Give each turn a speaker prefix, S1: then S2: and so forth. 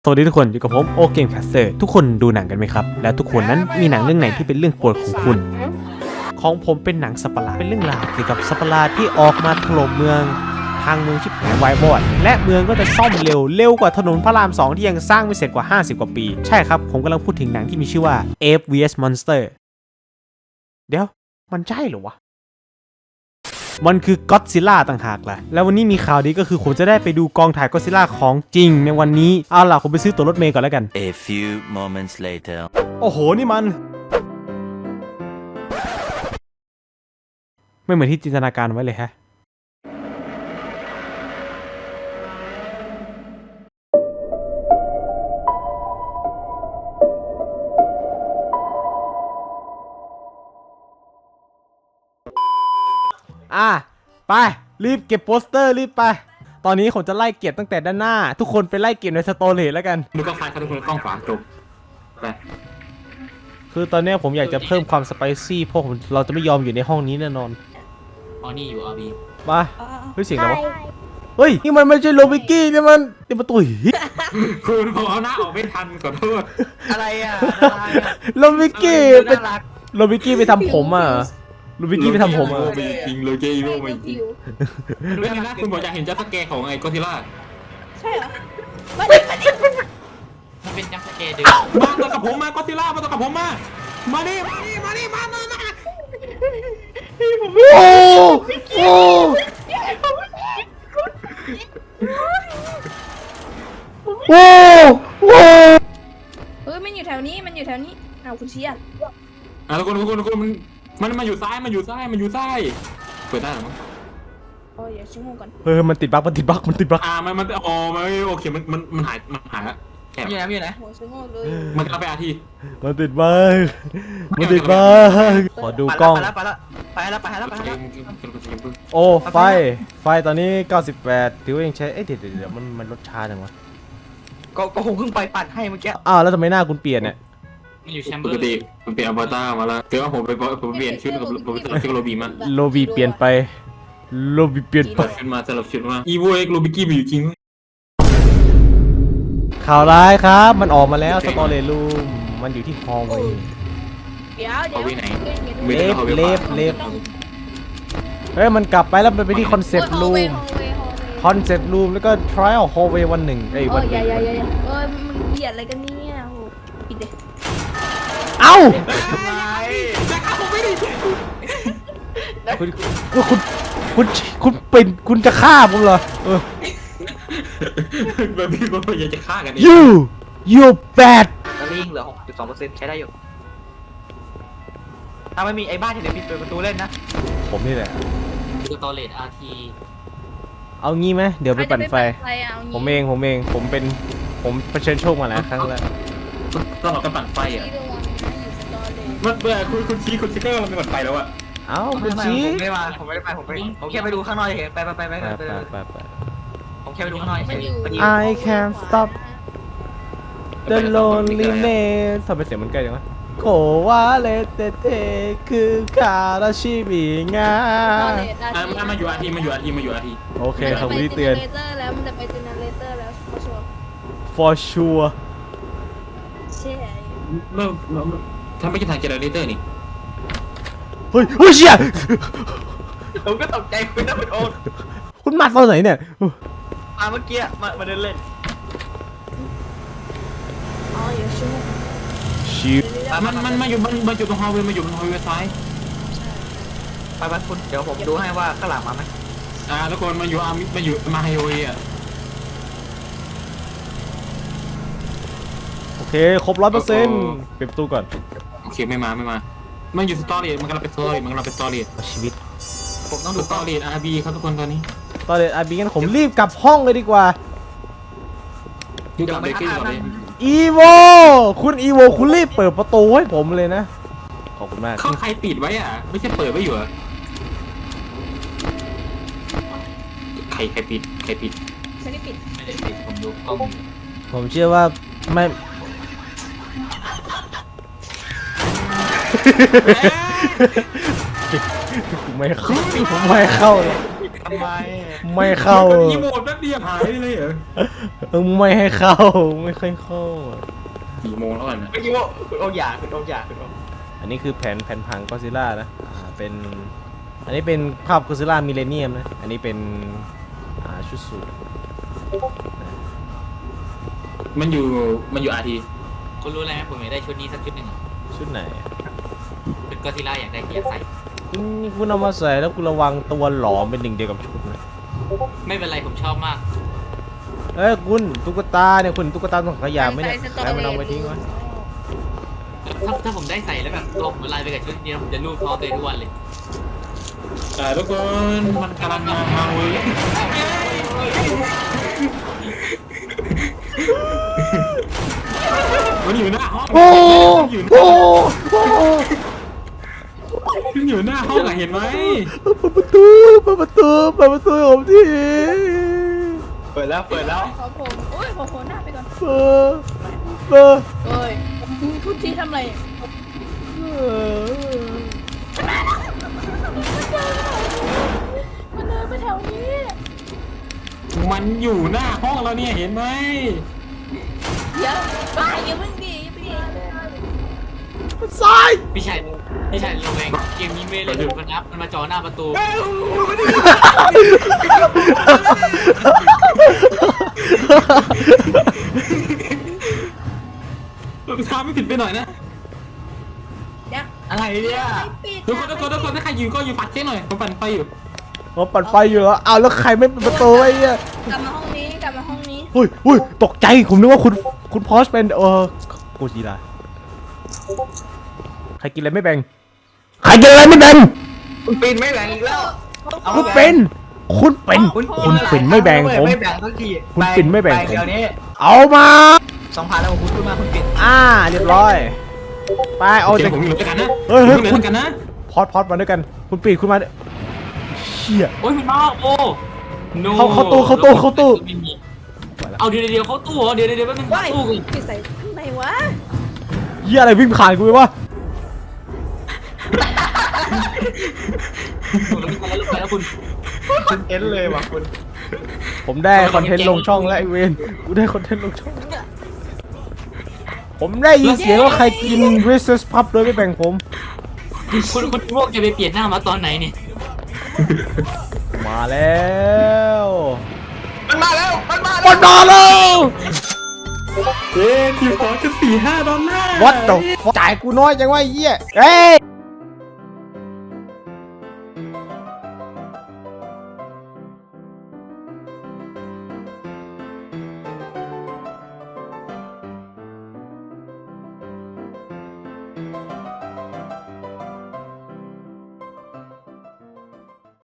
S1: สวัสดีทุกคนอยู่กับผมโอเกมแคสเตอร์ทุกคนดูหนังกันไหมครับและทุกคนนั้นมีหนังเรื่องไหนที่เป็นเรื่องโปรดของคุณของผมเป็นหนังสัตว์ประหลาดเป็นเรื่องราวเกี่ยวกับสัตว์ประหลาดที่ออกมาถล่มเมืองทางเมืองชิบหายวายบอดและเมืองก็จะซ่อมเร็วกว่าถนนพระราม 2ที่ยังสร้างไม่เสร็จกว่า50 กว่าปีใช่ครับผมกำลังพูดถึงหนังที่มีชื่อว่า Ape vs Monster เดี๋ยวมันใช่เหรอวะมันคือก็อดซิลล่าต่างหากล่ะแล้ววันนี้มีข่าวดีก็คือผมจะได้ไปดูกองถ่ายก็อดซิลล่าของจริงในวันนี้เอาล่ะผมไปซื้อตั๋วรถเมล์ก่อนแล้วกัน
S2: A few moments later
S1: โอ้โหนี่มันไม่เหมือนที่จินตนาการไว้เลยฮะไปรีบเก็บโปสเตอร์รีบไปตอนนี้ผมจะไล่เก็บตั้งแต่ด้านหน้าทุกคนไปไล่เก็บในสโตรเลจแล้วกัน
S3: ดูกล้องซ้ายครับทุกคนกล้องขวาจบไป
S1: คือตอนนี้ผมอยากจะเพิ่มความสไปซี่เพราะเราจะไม่ยอมอยู่ในห้องนี้แน่นอน
S3: อ๋อนี่อยู่อาร์บี
S1: มาเฮ้ยเสียงอะไรวะเฮ้ยนี่มันไม่ใช่โรบิกกี้นี่มันเป็นประตูหิน
S3: คุณผมเอาหน้าออกไม่ทันขอโทษ
S4: อะไรอ่ะ
S1: โรบิกกี้เป็นโรบิกกี้ไปทำผมอ่ะโรบิกกี้ไปทำผมอ่ะ
S3: จริงโลเกอีโร่ไม่จริงเรื่องนี้นะคุณบอกอยากเห็นจัสเกย์ของไอ้ก็ซิล่า
S4: ใช่เหรอมันเป็นจัสเกย์ดึง
S3: มาตัวกับผมมาก็ซิล่ามาตัวกับผมมาดิมา
S1: โอ้โอ้
S4: เฮ้ยมันอยู่แถวนี้เอาคุณเชียร์
S3: ทุกคนมันมาอยู่ซ้ายเปิดได้หรอมั้ง
S4: อย่าชิมก่อน
S1: มันติดบั๊กมันติดบั๊ก
S3: มันอ๋อมันโอเคมันหายละ
S4: แอบอยู่ไหนหัวชิมเลย
S3: มันกลับไปอาที
S1: มันติดบั๊กขอดูกล้อง
S4: ไปแล้ว
S1: โอ้ไฟตอนนี้98ถือว่ายังใช้เดี๋ยวมันลดช้าจังวะ
S4: ก็คงเพิ่งไปปัดให้เมื่อกี้
S1: แล้วทำไมหน้าคุณเปลี่ยนเนี่ย
S3: มันอยู่แชมเบอร์ปกติมันเปลี่ยนอวตารมาแล้วเดี๋ยวผมเปลี่ยนชุดกับผมชื่อโรบีมา
S1: โรบีเปลี่ยนไป
S3: ชุดมาสลับชุดมาอีโวเอ็กโรบิกี้มีอยู่จริง
S1: ข่าวร้ายครับมันออกมาแล้วสตอรี่รูมมันอยู่ที่ฮอลล์เวย์
S4: เดี๋ยว
S1: เล็บเฮ้ยมันกลับไปแล้วมันไปที่คอนเซ็ปต์รูมแล้วก็ trial hallway วันหนึ่ง
S4: วันอย่ามันเกลียดอะไรกันเนี่ยโหปิดเลย
S1: เอ้าคุณจะฆ่าผมเหรอ
S3: แบบพี่ก็อยากจะฆ่ากัน
S1: you bad
S4: ตอนนี้เหลือ 62% ใช้ได้อยู่ถ้าไม่มีไอ้บ้านที่เดี๋ยวปิดประตูเล่นนะ
S1: ผมนี่แหละ
S4: คือตอเลตอาร์ที
S1: เอางี้ไหมเดี๋ยวไปปั่นไฟผมเองผมเผชิญโชคมาแล้วครั้งแรก
S3: ต้องเราต้องปั่นไฟอ่ะมันเบื่อคุณชี้คุณชิคเกอร์เราไปปั่นไฟแล้วอ่ะ
S1: คุณชี้
S4: ผมไม่ได้ไปผมแค่ไปดูข้างนอกเฉยไปผมแค่ไปดูข้างนอกเฉย
S1: I can't stop the loneliness ทำไมเสียงมันใกล้จังวะโควาเลเตเตคือคาราชิมิงา
S3: มาอยู่อาที
S1: โอเคครับวิธีเตือน
S4: มันจะไปเจเนเรเตอร์แล้ว
S1: for sure
S4: ใช่
S3: ทำไปจะถ่ายเจเนเรเตอร์นี่
S1: เฮ้ยเชี่ย
S4: ผมก็ตกใจคุณนะ
S1: คุณมาตอนไหนเนี่ย
S4: เมื่อกี้มาเดินเล่นอย่า
S1: ชิว
S3: มันมาอยู่ตรงฮอลเวย์ซ้าย
S4: ไปคุณเดี๋ยวผมดูให้ว่าข้างหลังมาไหม
S3: ทุกคนมาอยู่มาไฮเวย์
S1: โอเคครบ 100% ปิดประตูก่อน
S3: โอเคไม่มามันอยู่สตอรี่มันกำลังเป็นสตอรี่
S1: ชีวิต
S3: ผมต้องดูสตอรี่อาร์บีครับทุกคนตอนนี้
S1: สตอรี่อาร์บีงั้นผมรีบกลับห้องเลยดีกว่า
S3: ดูกับเบเกอร์ก่อนเลย
S1: อีโวคุณอีโวคุณรีบเปิดประตูให้ผมเลยนะขอบคุณมาก
S3: เขาใครปิดไว้อ่ะไม่ใช่เปิดไว้อยู่อ่ะใครปิด
S4: ไม่ได้ปิดผมดูกล้อง
S1: ผมเชื่อว่าไม่ผมไม่เข้าเลย
S4: ทำไม
S1: ไม่เข้า
S3: กดอีโมดแป๊บเดียวหายไปเลยเหรอ
S1: ไม่ให้เข้าไม่ค่อยเข้า
S3: กี่โมงแล้วกันนะ
S4: เมื่อกี้ว่าคุณโอ๊กอยากคุณโอ๊กอยากคุณโอ๊ก
S1: อันนี้คือแผ่นพังก็ซิล่านะเป็นอันนี้เป็นภาพก็ซิล่ามิเลเนียมนะอันนี้เป็นชุดสูท
S3: มันอยู่อาที
S5: คุณรู้อะไรไหมผมอยากได้ชุดนี้สักชุดหนึ่งอะ
S1: ชุดไหน
S5: เป็นก็อดซิลล่าอยากได้อยากใส่
S1: คุณเอามาใส่แล้วคุณระวังตัวหลอมเป็นหนึ่งเดียวกับชุดนะ
S5: ไม่เป็นไรผมชอบมาก
S1: เอ้ยคุณตุ๊กตาเนี่ยคุณตุ๊กตาต้องขยะไหมเนี่ยแล้วมันเอาไปทิ้งไว้
S5: ถ้าผมได้ใส่แล้วแบบตัวผมละลายไปกับชุดนี้ผมจะลูบท้องตัวเองทุกวันเลย
S3: ทุกคนมันกำลังมาเว้ยมันอยู่หน้าห้อง
S1: โอ้โห
S3: มันอยู่หน้าห้องอะเห็นไหม
S1: เปิดประตูผมที
S4: เปิดแล้วเปิดแล้ว
S6: ขอผมโอ้ยขอโผล่หน้าไปก่อน
S1: เปิด
S6: เอ้ยทุกทีทำอะไรมันเดินไปแถวนี้
S3: มันอยู่หน้าห้องเราเนี่ยเห็นไหม
S6: เดี๋ยวบ้าอย่าเพิ่งดีอย่าเพิ่งดี
S1: ซ้าย
S5: พี่ชายระแวงเกมนี้ไม่เล่นมันนับมันมาจ่อหน้าประตู
S3: เราทำไม่ผิดไปหน่อยนะ
S6: เดี๋ยว
S4: อะไรเนี่ย
S6: ปิด
S3: ทุกคนถ้าใครยืนก็ยืนปัดเจ๊หน่อยผมปั่นไฟอยู่
S1: ผมปัดไฟอยู่แล้วเอาแล้วใครไม่เปิดประตูไอ้เนี่ย
S6: กลับมาห้องนี้กลับมาห้องนี้
S1: อุ้ยตกใจผมนึกว่าคุณพอสเป็นโกจิระใครกินอะไรไม่แบ่งใครกินอะไรไม่แบ่ง
S4: คุณปีนไม่แบ่งอีกแล้ว
S1: คุณเป็นไม่แบ่งผม
S4: ไม่แบ่งสักที
S1: คุณปิ่นไม่แบ่งผม
S4: เดี๋ยวนี้
S1: เอามา
S4: 2,000แล้วคุณขึ้นมาคุณปิ่น
S1: เรียบร้อยไปเอา
S3: เดี๋
S1: จาย ก
S3: วผมอยู่ด้วยกันนะ
S1: เฮ้ย
S3: ผมอยู่
S1: คุ
S3: ด้
S1: ณ
S3: วยกันนะ
S1: พอดมาด้วยกัน คุณปีดคุณมาเชี่ย
S5: โอ้ยคุณมาโอ้ no
S1: เข้าตู้
S5: ไม่มีเอาเดี๋ยวเข้าตู้เหรอเดี๋ยวแป๊บนึง
S6: ว้าย
S5: ตู้กู
S6: ปิดใส่ข้างในวะ
S1: เหี้ยอะไรวิ่งผ่านกูไปวะ
S5: แล้วคุณ
S4: คุณเอ็นเลยว่ะคุณ
S1: ผมได้คอนเทนต์ลงช่องแล้วไอเวนกูได้คอนเทนต์ลงช่องผมได้ยินเสียงว่าใครกิน Reese's Puff โดยไม่แบ่งผม
S5: คุณพวกจะไปเปลี่ยนหน้ามาตอนไหนเนี่ย
S1: มาแล้ว
S4: มันมาแล้ว
S3: ทีม2.45 ดอลลาร์
S1: What the fuck จ่ายกูน้อยจังวะไอ้เหี้ยเฮ้ย